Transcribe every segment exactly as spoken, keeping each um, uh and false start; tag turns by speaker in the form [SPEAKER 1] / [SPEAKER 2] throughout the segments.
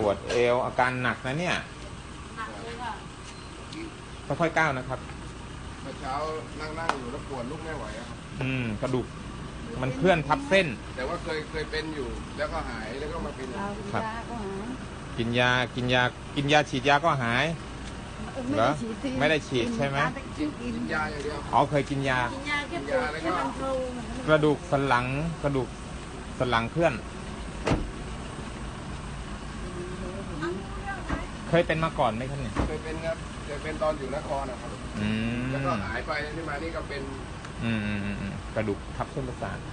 [SPEAKER 1] ปวดเอวอาการหนักนะเนี่ย
[SPEAKER 2] หนักเลยค่ะ
[SPEAKER 1] ค่อยๆก้าวนะครับ
[SPEAKER 3] เมื่อเช้านั่งนั่งอยู่แล้วปวดลุกไม่ไหวครับ
[SPEAKER 1] อืมกระดูกมันเคลื่อนทับเส้น
[SPEAKER 3] แต่ว่าเคยเคยเป็นอยู่แล้วก็หายแล้วก็มาเป็น
[SPEAKER 1] ครับกินยากินยากินยาฉีดยาก็หายเหรอไม่ได้ฉีดใช่ไหม
[SPEAKER 3] กินยาอย่างเดียว
[SPEAKER 1] อ๋อเคยกินยา
[SPEAKER 2] กินยาแค่ปวดแค่บรรเทาก
[SPEAKER 1] ระดูกสันหลังกระดูกสันหลังเคลื่อนเคยเป็นมาก่อนไหมครับเนี่ย
[SPEAKER 3] เคยเป็นครับเคยเป็นตอนอยู่นครนะครับแล้วก็หายไปที่มานี่ก็เป็น
[SPEAKER 1] อืมอืมอืมกระดูกทับเส้นประสาท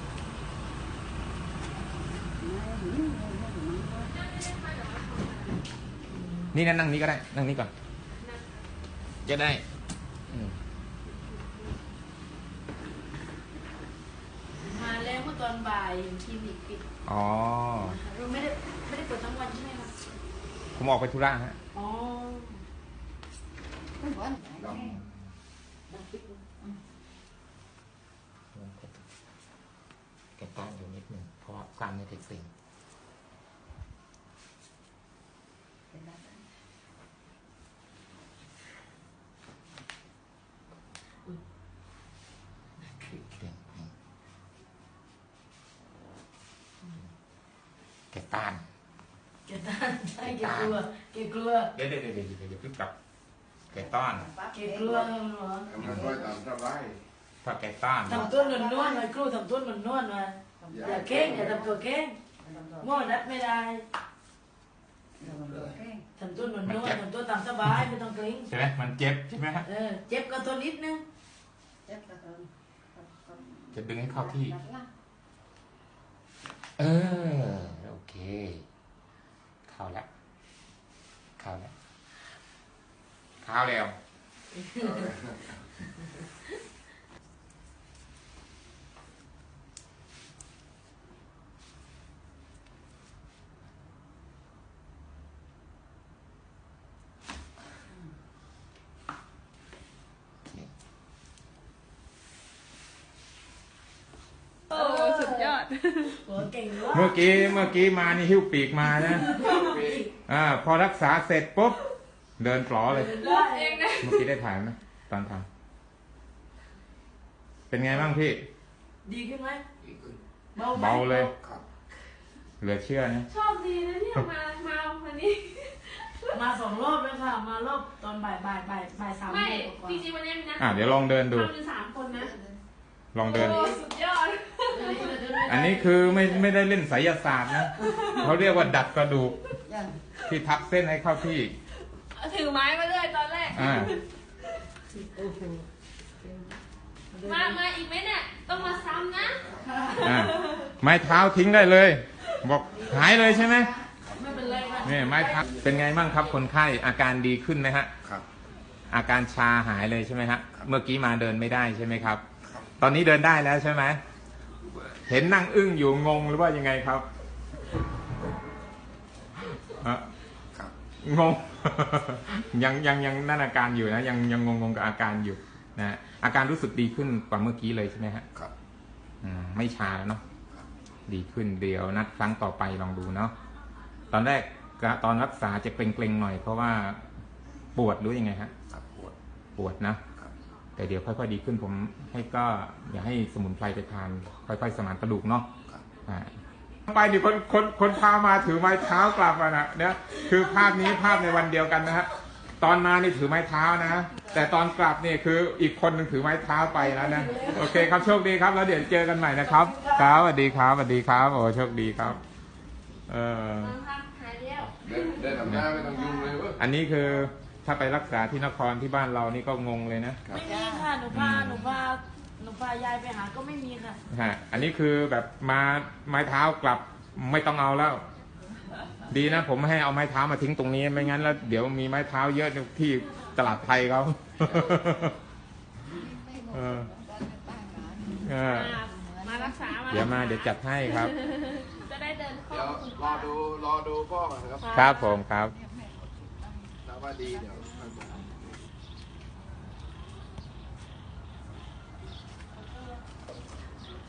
[SPEAKER 1] นี่นั่งนั่งนี้ก็ได้นั่งนี้ก่อนจะได้
[SPEAKER 2] มาแล้วเมื่อตอนบ่ายคลินิกปิด
[SPEAKER 1] อ๋อ
[SPEAKER 2] เราไม่ได้ไม่ได้เปิดทั้งวันใช่ไหมคะ
[SPEAKER 1] ผมออกไปธุระฮะ
[SPEAKER 2] อ๋อ
[SPEAKER 1] แกต้านอยู่นิดหนึ่งเพราะกล้ามเนื้อเกร็งแกต้าน
[SPEAKER 2] แกต้านใช่แกกลัวแกกลัว
[SPEAKER 1] เดี๋ยวเดี๋ยวเดี๋ยวเดี๋ยวเดี๋ยวพึ่งกลับแกต้าน
[SPEAKER 2] แกกลัวเหรอ
[SPEAKER 3] มันก็ตามสบาย
[SPEAKER 1] ถ้าแกต้าน
[SPEAKER 2] ทำตัวหนุ่นๆมาครูทำตัวหนุ่นๆมาอย่าเก่งอย่าทำตัวเก่งมั่วนัดไม่ได้ทำตัวหนุ่นๆทำตัวตามสบายไม่ต้องเกรง
[SPEAKER 1] ใช่ไหมมันเจ็บใช่ไหมฮะ
[SPEAKER 2] เออเจ็บก็ทนนิดนึง
[SPEAKER 1] จะดึงให้เข้าที่เออโอเคเข้าแล้วเข้าแล้วเข้าแล้ว
[SPEAKER 2] โอ้สุดยอดหัวเก่งวะ
[SPEAKER 1] เมื่อกี้เมื่อกี้มานี่หิ้วปีกมานะอ่าพอรักษาเสร็จปุ๊บเดินปลอเลยเมื่อกี้ได้ถ่ายไหมตอนทำเป็นไงบ้างพี่
[SPEAKER 2] ดีขึ้นไหม
[SPEAKER 1] เบาเลยเหลือเชื่อนะ
[SPEAKER 4] ชอบดีนะที่มามาวันนี้
[SPEAKER 2] มาสองรอบแล้วค่ะมารอบตอนบ่ายบ่ายบ่ายบ่ายสามโมงกว่า
[SPEAKER 4] จริงๆวันนี้นะ
[SPEAKER 1] อ่ะเดี๋ยวลองเดินดู
[SPEAKER 4] ทำอยู่สามคนนะ
[SPEAKER 1] ลองเดิน
[SPEAKER 4] สุดยอด
[SPEAKER 1] อันนี้คือไม่ไม่ได้เล่นไสยศาสตร์นะเขาเรียกว่าดัดกระดูกที่ทับเส้นให้เข้าที่
[SPEAKER 4] ถือไม้มาเลยตอนแรกมามาอีกไหมเนี่ยต้องมาซ้ำนะ
[SPEAKER 1] ไม้เท้าทิ้งได้เลยบอกหายเลยใช่ไหม
[SPEAKER 2] ไม่เป็นไรค่ะ
[SPEAKER 1] นี่ไม้เท้าเป็นไงบ้างครับคนไข้อาการดีขึ้นไหมฮะ
[SPEAKER 3] ครับ
[SPEAKER 1] อาการชาหายเลยใช่ไหมฮะเมื่อกี้มาเดินไม่ได้ใช่ไหมครับตอนนี้เดินได้แล้วใช่ไหมเห็นนั่งอึ้งอยู่งงหรือว่ายังไงครับงงยังยังยังนั่นอาการอยู่นะยังยังงงงกับอาการอยู่นะอาการรู้สึกดีขึ้นกว่าเมื่อกี้เลยใช่ไหมฮะ
[SPEAKER 3] ครับ
[SPEAKER 1] ไม่ชาแล้วเนาะดีขึ้นเดียวนัดครั้งต่อไปลองดูเนาะตอนแรกตอนรักษาจะเกร็งๆหน่อยเพราะว่าปวดหรือยังไงฮะ
[SPEAKER 3] ปวด
[SPEAKER 1] ปวดนะแต่เดี๋ยวค่อยๆดีขึ้นผมให้ก็อย่าให้สมุนไพรไปทานค่อยๆสมานกระดูกเนาะไปดิคนคนคนพามาถือไม้เท้ากลับมานะเนี่ยคือภาพนี้ภาพในวันเดียวกันนะฮะตอนมานี่ถือไม้เท้านะแต่ตอนกลับนี่คืออีกคนหนึ่งถือไม้เท้าไปแล้วนะโอเคครับโชคดีครับแล้วเดี๋ยวเจอกันใหม่นะครับครับสวัสดีครับสวัสดีครับโอ้โชคดีครับเออ
[SPEAKER 3] เดินทำหน้าไม่ต้องยุ่งเลยเว้ย
[SPEAKER 1] อันนี้คือถ้าไปรักษาที่นครที่บ้านเรานี่ก็งงเลยนะ
[SPEAKER 2] ไม่มีค่ะหนูพาหนูพาหนูพายายไปหาก็ไม่มีค่ะ
[SPEAKER 1] ฮะอันนี้คือแบบมาไม้เท้ากลับไม่ต้องเอาแล้วดีนะผมไม่ให้เอาไม้เท้ามาทิ้งตรงนี้ไม่งั้นแล้วเดี๋ยวมีไม้เท้าเยอะที่ตลาดไทยเขา
[SPEAKER 4] มารักษา
[SPEAKER 1] เดี๋ยวมาเดี๋ยวจัดให้ครับ
[SPEAKER 4] จะได้เดินเข้
[SPEAKER 3] ารอดูรอดูพ่อก่อนครับ
[SPEAKER 1] ครับผมครับ
[SPEAKER 3] ถ้าว่าดีเดี๋ยว